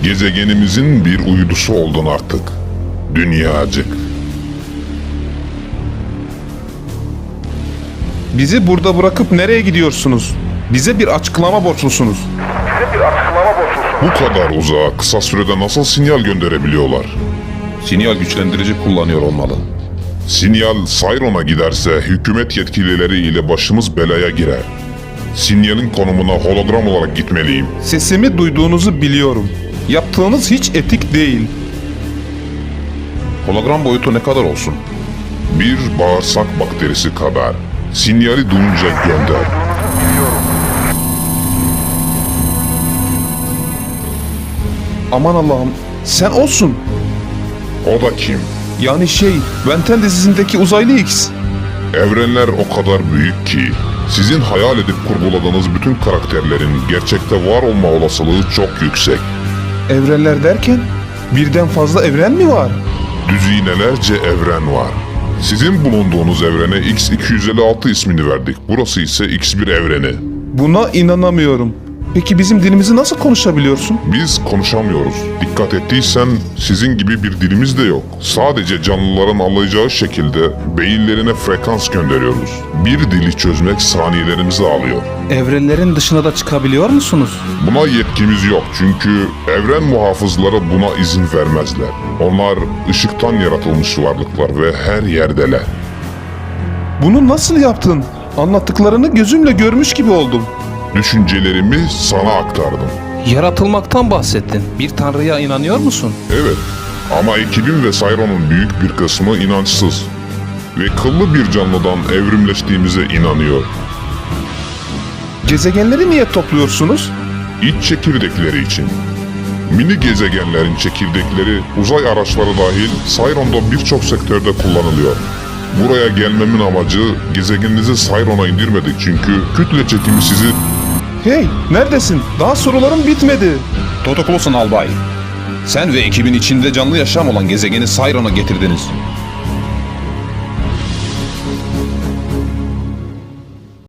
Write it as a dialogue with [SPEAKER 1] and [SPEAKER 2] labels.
[SPEAKER 1] Gezegenimizin bir uydusu oldun artık. Dünyacık.
[SPEAKER 2] Bizi burada bırakıp nereye gidiyorsunuz? Bize bir açıklama borçlusunuz.
[SPEAKER 1] Bu kadar uzağa kısa sürede nasıl sinyal gönderebiliyorlar?
[SPEAKER 3] Sinyal güçlendirici kullanıyor olmalı.
[SPEAKER 1] Sinyal Sayron'a giderse hükümet yetkilileri ile başımız belaya girer. Sinyalin konumuna hologram olarak gitmeliyim.
[SPEAKER 2] Sesimi duyduğunuzu biliyorum. Yaptığınız hiç etik değil.
[SPEAKER 3] Hologram boyutu ne kadar olsun?
[SPEAKER 1] Bir bağırsak bakterisi kadar. Sinyali duyunca gönder.
[SPEAKER 2] Aman Allah'ım, sen olsun.
[SPEAKER 1] O da kim?
[SPEAKER 2] Yani Benten dizisindeki uzaylı X.
[SPEAKER 1] Evrenler o kadar büyük ki sizin hayal edip kurguladığınız bütün karakterlerin gerçekte var olma olasılığı çok yüksek.
[SPEAKER 2] Evrenler derken birden fazla evren mi var?
[SPEAKER 1] Düzinelerce evren var. Sizin bulunduğunuz evrene X256 ismini verdik. Burası ise X1 evreni.
[SPEAKER 2] Buna inanamıyorum. Peki bizim dilimizi nasıl konuşabiliyorsun?
[SPEAKER 1] Biz konuşamıyoruz. Dikkat ettiysen sizin gibi bir dilimiz de yok. Sadece canlıların anlayacağı şekilde beyinlerine frekans gönderiyoruz. Bir dili çözmek saniyelerimizi alıyor.
[SPEAKER 2] Evrenlerin dışına da çıkabiliyor musunuz?
[SPEAKER 1] Buna yetkimiz yok çünkü evren muhafızları buna izin vermezler. Onlar ışıktan yaratılmış varlıklar ve her yerdeler.
[SPEAKER 2] Bunu nasıl yaptın? Anlattıklarını gözümle görmüş gibi oldum.
[SPEAKER 1] Düşüncelerimi sana aktardım.
[SPEAKER 2] Yaratılmaktan bahsettin. Bir tanrıya inanıyor musun?
[SPEAKER 1] Evet ama ekibim ve Sayron'un büyük bir kısmı inançsız. Ve kıllı bir canlıdan evrimleştiğimize inanıyor.
[SPEAKER 2] Gezegenleri niye topluyorsunuz?
[SPEAKER 1] İç çekirdekleri için. Mini gezegenlerin çekirdekleri uzay araçları dahil Sayron'da birçok sektörde kullanılıyor. Buraya gelmemin amacı gezegeninizi Sayron'a indirmedik çünkü kütle çekimi sizi...
[SPEAKER 2] Hey, neredesin? Daha sorularım bitmedi.
[SPEAKER 3] Totoklosun albay. Sen ve ekibin içinde canlı yaşam olan gezegeni Sayron'a getirdiniz.